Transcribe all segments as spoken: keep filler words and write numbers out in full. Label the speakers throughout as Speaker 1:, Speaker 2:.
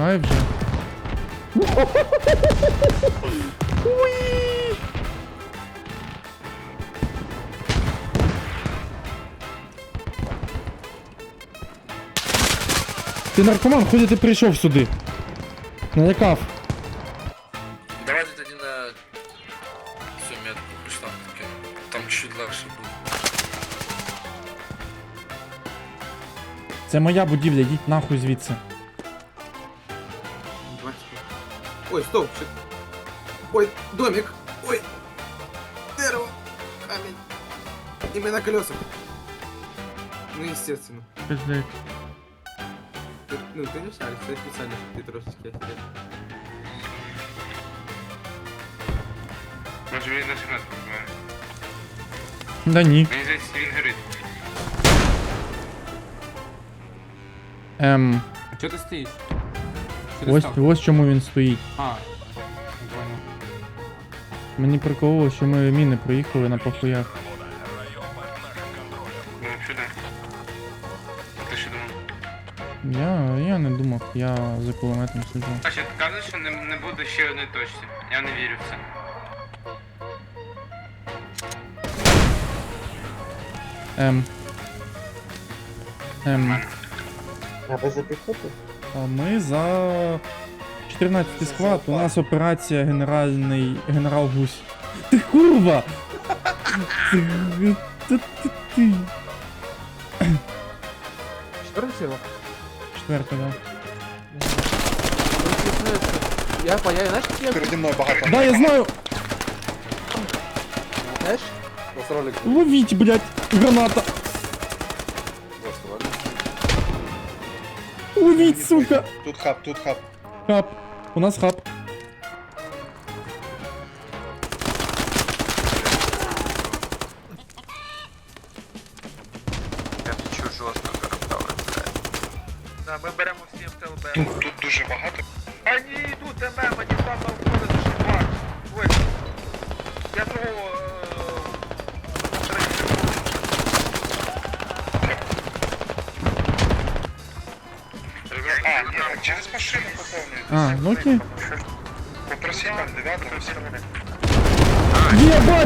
Speaker 1: Тікай вже. Уй! Ти наркоман, ході ти прийшов сюди. Налякав.
Speaker 2: Давайте тоді на цю метку прийшла таке. Там чуть легше буде.
Speaker 1: Це моя будівля, йдіть нахуй звідси.
Speaker 3: Ой, стоп, шик. Ой, домик. Ой, дерево, камень. И мы на колесах. Ну, естественно.
Speaker 1: Пиздець.
Speaker 3: Ты, ну, ты не шаришь, ты специально, чтобы ты трошечки офигел.
Speaker 2: Може він на секунду побиває.
Speaker 1: Да ні.
Speaker 2: Мені здається, він горить.
Speaker 1: Ем,
Speaker 4: А чого ти стоїш? Що ти
Speaker 1: ось,
Speaker 4: став?
Speaker 1: ось чому він стоїть.
Speaker 4: А, не понял.
Speaker 1: Мені прикололо, що ми міни проїхали на похуях.
Speaker 2: Ну, сюди. А ти що думав?
Speaker 1: Я, я не думав, я за кулеметом сиджу.
Speaker 2: А ще кажуть, що не, не буде ще одної точці. Я не вірю в це.
Speaker 1: Ем. Ем.
Speaker 5: А ви за піхоту?
Speaker 1: А ми за чотирнадцятий склад, у нас операція генеральний генерал Гусь. Ти курва! Ти, ти, ти, ти.
Speaker 3: Четвертый сила?
Speaker 1: Четверта, да.
Speaker 3: Я понял, знаешь, как я...
Speaker 5: Переді мною багато.
Speaker 1: Да, я знаю!
Speaker 3: Знаешь?
Speaker 1: Ловіть, блядь, граната! Ловіть, сука!
Speaker 5: Тут хаб, тут хаб.
Speaker 1: Хаб. У нас хаб.
Speaker 2: Я чую жорстко зароптали, блядь. Да, ми беремо всі в ТЛБ.
Speaker 5: Тут, тут дуже багато.
Speaker 2: Они идут, ММ, они там на входа зашибают. Ой, я того...
Speaker 5: А, ні, через машину поповнюють.
Speaker 1: А, ну окей.
Speaker 5: Попроси там дев'ятого.
Speaker 1: Єбать!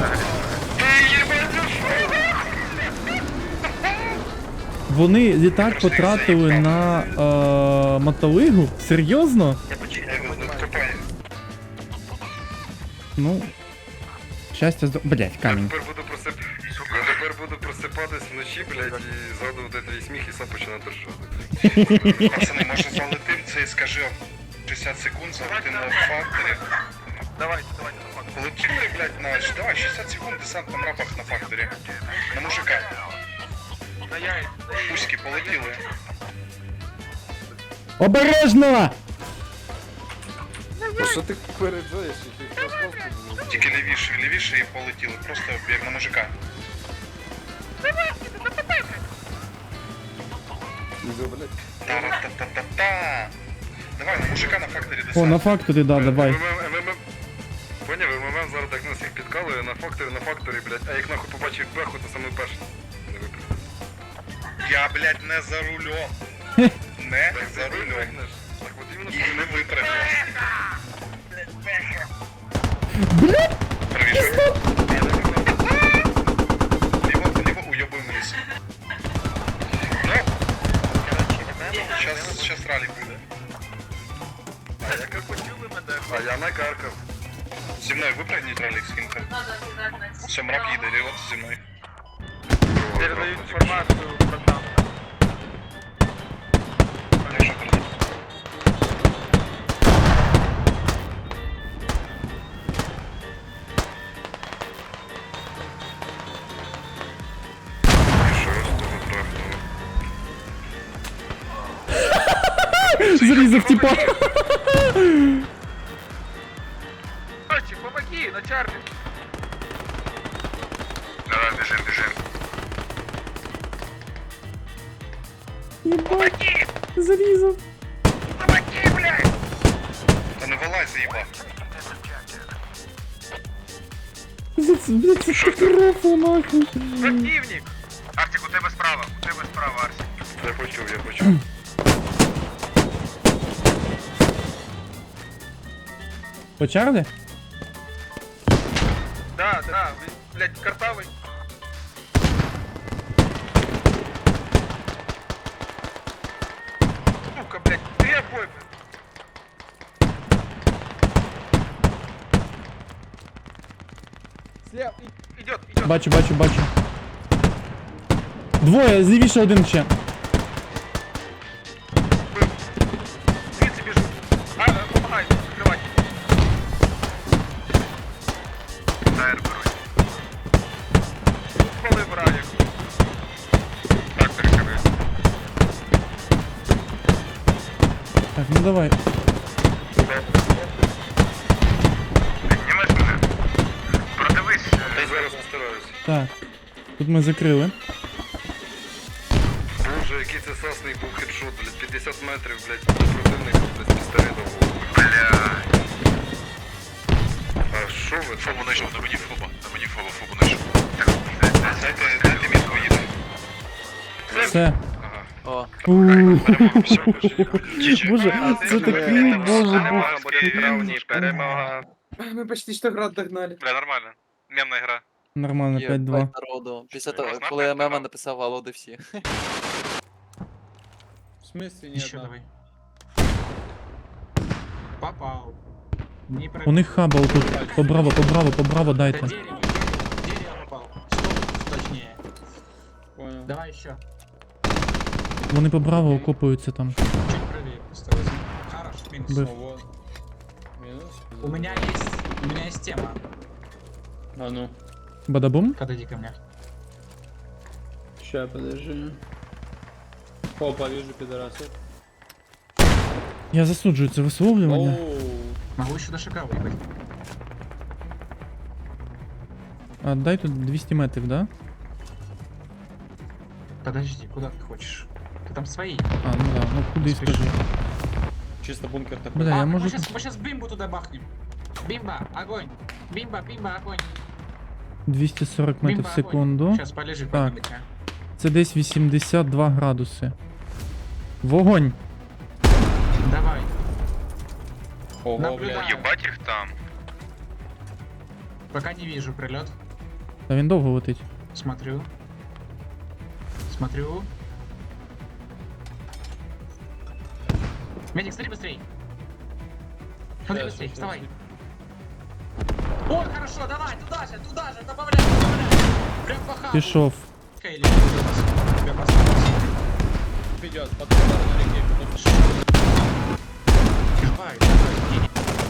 Speaker 1: Вони літак потратили на е, мотолигу? Серйозно? Ну. Щастя здо... Блять, камінь.
Speaker 2: Тепер буду просип... Я тепер буду просипатись вночі, блядь, і згадувати твій сміх і сам починати ржати.
Speaker 5: Пацани, може залетим це і скажи шістдесят секунд, залетим на факторі.
Speaker 2: Давайте, давайте, на факт.
Speaker 5: Полетіли, блядь, на... Давай, шістдесят секунд десант на рапах на факторі. На мужика.
Speaker 2: На яйця.
Speaker 5: Пуськи полетіли.
Speaker 1: Обережно!
Speaker 3: Что ты переджаешь?
Speaker 5: Тільки лівіше, лівіше і полетіли. Просто як на мужика. Та-ра-та-та-та-та. Давай, на мужика на факторі десант.
Speaker 1: О, на факторі, да, давай.
Speaker 2: Поняв, ММ зараз так нас їх підкалує на факторі, на факторі, блядь, а як нахуй побачив беху, то саме перший. Не випрыгнув.
Speaker 5: Я, блядь, не за рулем. Не за рулем.
Speaker 2: Так от іменно
Speaker 5: І не випрыгнув.
Speaker 1: Блять!
Speaker 5: Правіше. Ліво, ліво уйобуй вниз. Ну, щас, щас ралік буде.
Speaker 2: А я як почули мене, а я накаркав.
Speaker 5: Зі мною випрыгніть ралік з кінка. Все, мрак їде, рівот зі мною.
Speaker 2: Передають інформацію про там.
Speaker 5: Я вже передав.
Speaker 1: Зарізав типа.
Speaker 2: Мальчик, помоги, на чармі.
Speaker 5: Давай, біжим, біжим.
Speaker 1: Єбать. Зарізав.
Speaker 2: Помоги, блядь!
Speaker 5: Та не вилазь, заїбав.
Speaker 1: За це, блять, це катастрофа нахуй.
Speaker 2: Противник! Артик, у тебе справа, у тебе справа, Арсик. Я почув, я почув.
Speaker 1: По Чарлі?
Speaker 2: Да, да, він, блядь, картавий. Сука, блядь, три обои, блядь. Слева, и- идет, идет.
Speaker 1: Бачу, бачу, бачу. Двоє, злівіше один ще.
Speaker 2: Звідси біжу. А, а, помагай, закривай. Тайр беруть. Спалив раєк. Так, перекривай.
Speaker 1: Так, ну давай.
Speaker 2: Піднімеш мене? Продивись. Я зараз постараюсь.
Speaker 1: Так. Тут ми закрили.
Speaker 2: Боже, який це сасний був хедшот, блядь, п'ятдесят метрів, блядь, до противника, блядь, з пістолета в голову. Блядь. А що ви?
Speaker 5: Фобу знайшов, на мені фоба. На мені фоба, фобу знайшов. Дайте, дайте мітку, їде.
Speaker 1: Все.
Speaker 2: Ага.
Speaker 6: О,
Speaker 1: Ууу.
Speaker 2: Все, пошли.
Speaker 1: Боже, це такий, боже, був.
Speaker 2: Травні, перемога.
Speaker 3: Мы почти что град догнали.
Speaker 5: Бля, нормально. Мемна гра.
Speaker 1: Нормально,
Speaker 6: є
Speaker 1: п'ять два.
Speaker 6: п'ять народу. Після того,
Speaker 5: Можна
Speaker 6: коли
Speaker 5: п'ять
Speaker 6: Мема
Speaker 5: народу?
Speaker 6: написав Алло, де всі.
Speaker 4: В смысле нет?
Speaker 7: Еще давай. Попал. Не
Speaker 1: У них хаба отут. Побраво, побраво, побраво
Speaker 7: Да
Speaker 1: дайте.
Speaker 7: дерево. Дерево попал. Стоп, точнее.
Speaker 4: Понял.
Speaker 7: Давай еще.
Speaker 1: Вони побраво окопуються там.
Speaker 7: Чуть правее просто возьми. Хорош, минус.
Speaker 1: Б.
Speaker 4: Вот. Минус.
Speaker 7: У меня есть. У меня есть тема.
Speaker 4: А ну.
Speaker 1: Бадабум?
Speaker 7: Подойди ко мне.
Speaker 4: Ща, подожди. Опа, вижу пидораса.
Speaker 1: Я засуджую це висловлювання.
Speaker 4: Оу.
Speaker 7: Могу еще до шага выехать.
Speaker 1: А дай тут двісті метрів, да?
Speaker 7: Подожди, куда ты хочешь? Ты там свои.
Speaker 1: А, ну да, ну куди
Speaker 7: Спіши.
Speaker 1: скажи.
Speaker 4: Чисто бункер такой.
Speaker 1: Бля, я
Speaker 7: А,
Speaker 1: можу...
Speaker 7: мы сейчас, мы сейчас бимбу туда бахнем. Бимба, огонь. Бимба, бимба, огонь.
Speaker 1: двісті сорок метрів
Speaker 7: Бимба,
Speaker 1: в секунду.
Speaker 7: Сейчас полежи,
Speaker 1: Так.
Speaker 7: поднимите.
Speaker 1: Це десь вісімдесят два градуси. Вогонь!
Speaker 7: Давай.
Speaker 4: Ого,
Speaker 7: Наблюдаю.
Speaker 4: блядь.
Speaker 5: Єбать їх там.
Speaker 7: Пока не вижу прилет.
Speaker 1: Та він довго летить.
Speaker 7: Смотрю. Смотрю. Медик, смотри быстрей. Смотри
Speaker 4: Щас,
Speaker 7: быстрей,
Speaker 4: щас,
Speaker 7: вставай.
Speaker 4: щас.
Speaker 7: О, хорошо, давай, туда же, туда же, добавляй, добавляй. Прям по хабу.
Speaker 1: Пішов.
Speaker 7: Или тебя поставить.
Speaker 4: Идет, по ту сторону реки. Ну,
Speaker 7: Давай, давай, иди.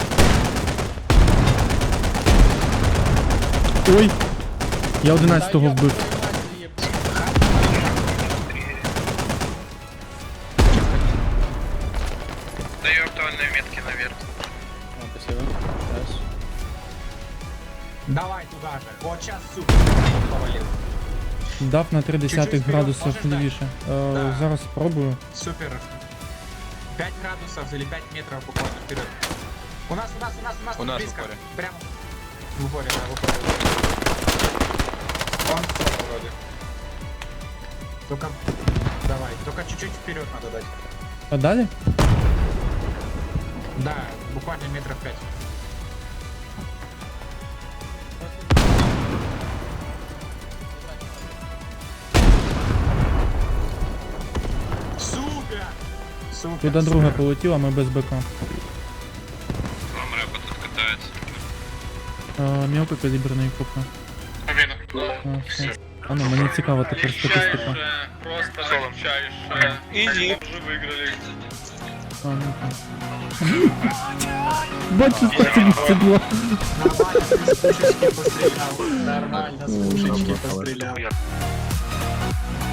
Speaker 1: Ой! Я одинадцятого
Speaker 4: да
Speaker 1: вбив.
Speaker 4: ёб твою мать, еб-
Speaker 5: Даю актуальные метки наверх.
Speaker 4: А, спасибо. Сейчас.
Speaker 7: Давай туда же. Вот сейчас супер. Повалил.
Speaker 1: Дав на три десятих
Speaker 7: Чуть-чуть
Speaker 1: градусів
Speaker 7: вперед, можеш
Speaker 1: лівіше. Е,
Speaker 7: Да.
Speaker 1: Зараз спробую.
Speaker 7: Супер. пять градусов или пять метров буквально вперед. У нас, у нас, у нас, у нас,
Speaker 5: У
Speaker 7: тут
Speaker 5: нас в
Speaker 7: близко.
Speaker 5: упоре.
Speaker 7: Прямо. В упоре, да, в упоре. Он вроде. Только, давай, только чуть-чуть вперед надо дать.
Speaker 1: А далі?
Speaker 7: Да, буквально метров пять. Супер! Супер!
Speaker 1: Туди друга
Speaker 7: супер.
Speaker 1: полетіла, ми без БК.
Speaker 5: Вам репа тут катається.
Speaker 1: Е, Мелкокаліберний копа. А, все. А ну, мені цікаво тепер статистика.
Speaker 5: Просто легчайше. Изи. Уже выиграли.
Speaker 1: А, ну так. Бачу, це було.
Speaker 7: Нормально, с пушечки пострелял. Нормально, с пушечки пострелял.